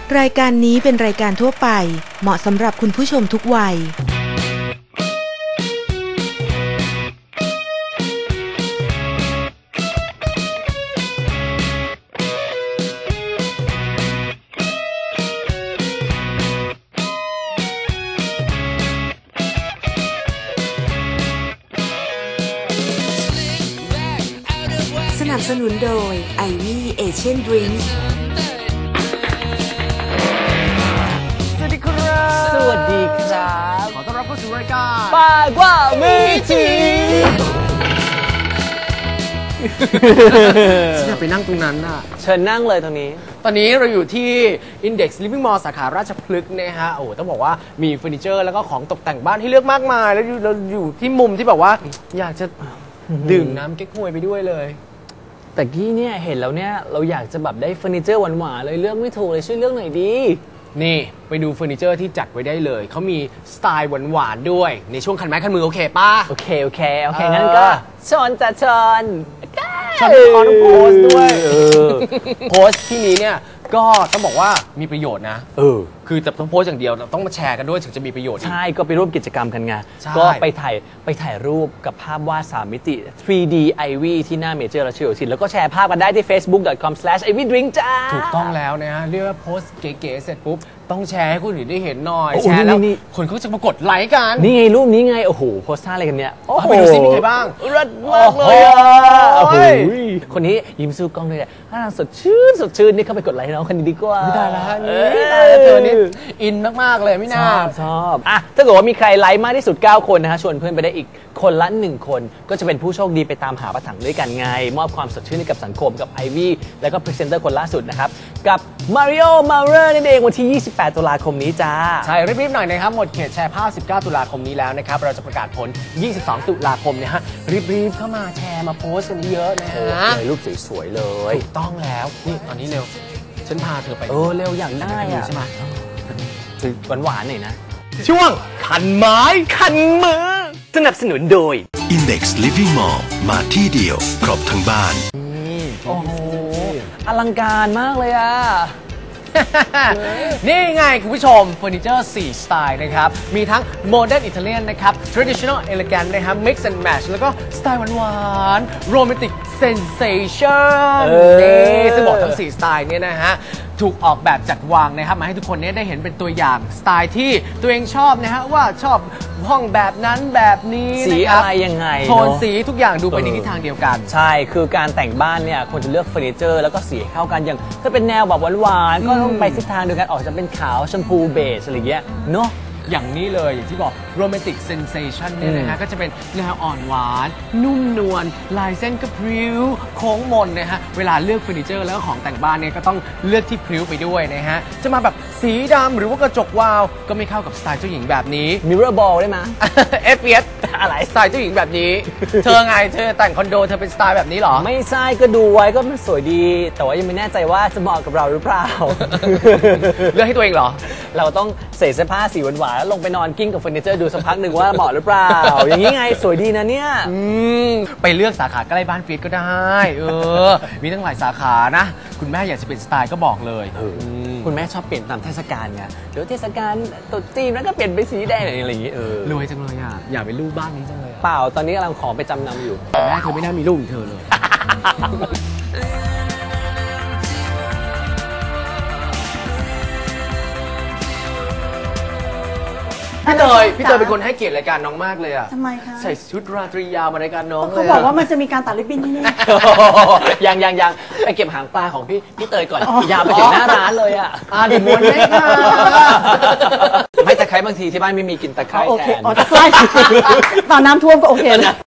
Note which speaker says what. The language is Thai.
Speaker 1: รายการนี้เป็นรายการทั่วไปเหมาะสำหรับคุณผู้ชมทุกวัยสนับสนุนโดยไอวี่เอเชียนดริงก์
Speaker 2: สวัสดีครับสวัสดีครับขอต้อนรับเข้าสู่รายการปากว่ามือจีฉันอยากไปนั่งตรงนั้นน่ะเชิญนั่งเลยตรงนี้ตอนนี้เราอยู่ที่ Index Living Mall สาขาราชพฤกษ์นะฮะโอ้ต้องบอกว่ามีเฟอร์นิเจอร์แล้วก็ของตกแต่งบ้านให้เลือกมากมายแล้วเราอยู่ที่มุมที่แบบว่าอยากจะดื่มน้ำเก๊กฮวยไปด้วยเลยแต่กี้เนี่ยเห็นแล้วเนี่ยเราอยากจะแบบได้เฟอร์นิเจอร์หวานๆเลยเลือกไม่ถูกเลยช่วยเลือกหน่อยดีนี่ไปดูเฟอร์นิเจอร์ที่จัดไว้ได้เลยเขามีสไตล์หวานๆด้วยในช่วงคันไม้คันมือโอเคป่ะโอเคงั้นก็ชอนจะชอนขอต้องโพสด้วยโพสที่นี้เนี่ยก็ต้องบอกว่ามีประโยชน์นะคือจะต้องโพสอย่างเดียวต้องมาแชร์กันด้วยถึงจะมีประโยชน์ใช่ก็ไปร่วมกิจกรรมกันไงก็ไปถ่ายรูปกับภาพวาด3 มิติ 3D Ivy ที่หน้าเมเจอร์รัชโยธินแล้วก็แชร์ภาพกันได้ที่ facebook.com/ivydrink จ้าถูกต้องแล้วนะฮะเรียกว่าโพสเก๋ๆเสร็จปุ๊บต้องแชร์ให้คนอื่นได้เห็นหน่อยแชร์แล้วคนเขาจะมากดไลค์กันนี่ไงรูปนี้ไงโอ้โหโพสท่าอะไรกันเนี่ยไปดูซิมีใครบ้างรัดมากเลยคนนี้ยิ้มสู้กล้องด้วยสดชื่นนี่เข้าไปกดไลค์น้องคนนี้ดีกว่าไม่ได้แล้วเธอนี่อินมากๆเลยไม่น่าชอบถ้าเกิดว่ามีใครไลค์มากที่สุด9 คนนะฮะชวนเพื่อนไปได้อีกคนละ1 คนก็จะเป็นผู้โชคดีไปตามหาประถังด้วยกันไงมอบความสดชื่นให้กับสังคมกับไอวี่แล้วก็พรีเซนเตอร์คนล่าสุดนะครับกับมาริโอมาเรอร์นั่นเองวันที่28 ตุลาคมนี้จ้าใช่รีบๆหน่อยนะครับหมดเขตแชร์ภาพ19 ตุลาคมนี้แล้วนะครับเราจะประกาศผล22 ตุลาคมเนี่ยฮะรีบๆเข้ามาแชร์มาโพสกันเยอะนะฮะรูปสวยๆเลยถูกต้องแล้วนี่ตอนนี้เร็วฉันพาเธอไปเร็วอย่างได้ใช่ไหมหวานๆหน่อยนะช่วงคันไม้คันมือสนับสนุนโดย
Speaker 3: Index Living Mall มาที่เดียวครบทั้งบ้าน
Speaker 2: โอ้โหอลังการมากเลยอ่ะนี่ไงคุณผู้ชมเฟอร์นิเจอร์4 สไตล์นะครับมีทั้ง Modern Italian นะครับ Traditional Elegant นะครับ Mix and Match แล้วก็สไตล์หวานๆ Romantic Sensation นี่ซึ่งบอกทั้ง4 สไตล์เนี่ยนะฮะถูกออกแบบจัดวางนะครับมาให้ทุกคนได้เห็นเป็นตัวอย่างสไตล์ที่ตัวเองชอบนะฮะว่าชอบห้องแบบนั้นแบบนี้สีอะไรยังไงโทนสีทุกอย่างดูไปในทิศทางเดียวกันใช่คือการแต่งบ้านเนี่ยควรจะเลือกเฟอร์นิเจอร์แล้วก็สีเข้ากันอย่างถ้าเป็นแนวแบบหวานๆก็ต้องไปทิศทางเดียวกันออกจะเป็นขาวชมพูเบจอะไรเงี้ยเนาะอย่างนี้เลยอย่างที่บอก Romantic Sensation เนี่ยนะฮะก็จะเป็นแนวอ่อนหวานนุ่มนวลลายเส้นก็พริ้วโค้งมนนะฮะเวลาเลือกเฟอร์นิเจอร์แล้วก็ของแต่งบ้านเนี่ยก็ต้องเลือกที่พริ้วไปด้วยนะฮะจะมาแบบสีดำหรือว่ากระจกวาวก็ไม่เข้ากับสไตล์เจ้าหญิงแบบนี้ Mirror Ball ได้ไหม FPS อะไรสไตล์เจ้าหญิงแบบนี้เธอไงเธอแต่งคอนโดเธอเป็นสไตล์แบบนี้หรอไม่ใช่ก็ดูไว้ก็มันสวยดีแต่ว่ายังไม่แน่ใจว่าจะเหมาะกับเราหรือเปล่าเลือกให้ตัวเองเหรอเราต้องใส่เสื้อผ้าสีหวานๆแล้วลงไปนอนกิ้งกับเฟอร์นิเจอร์ดูสักพักหนึ่งว่าเหมาะหรือเปล่าอย่างนี้ไงสวยดีนะเนี่ยไปเลือกสาขาใกล้บ้านฟีดก็ได้มีตั้งหลายสาขานะคุณแม่อยากจะเป็นสไตล์ก็บอกเลยคุณแม่ชอบเปลี่ยนตามเทศกาลไงเดี๋ยวเทศกาลตรุษจีนแล้วก็เปลี่ยนไปสีแดงอะไรอย่างงี้รวยจังเลยอ่ะอยากเป็นลูกบ้านนี้จังเลยเปล่าตอนนี้กำลังขอไปจำนำอยู่แต่แม่เธอไม่น่ามีลูกเธอเลยพี่เตยเป็นคนให้เกียรติรายการน้องมากเลยอ่ะทำไมคะใส่ชุดราตรียาวมารายการน้องเลยเขาบอกว่ามันจะมีการตัดริบบิ้นที่นี่ยังไปเก็บหางปลาของพี่เตยก่อนยาวไปถึงหน้าร้านเลยอ่ะเดี๋ยวม้วนให้ค่ะไม่ตะไคร้บางทีที่บ้านไม่มีกินตะไคร้แทนตะไคร้ตอนน้ำท่วมก็โอเคนะ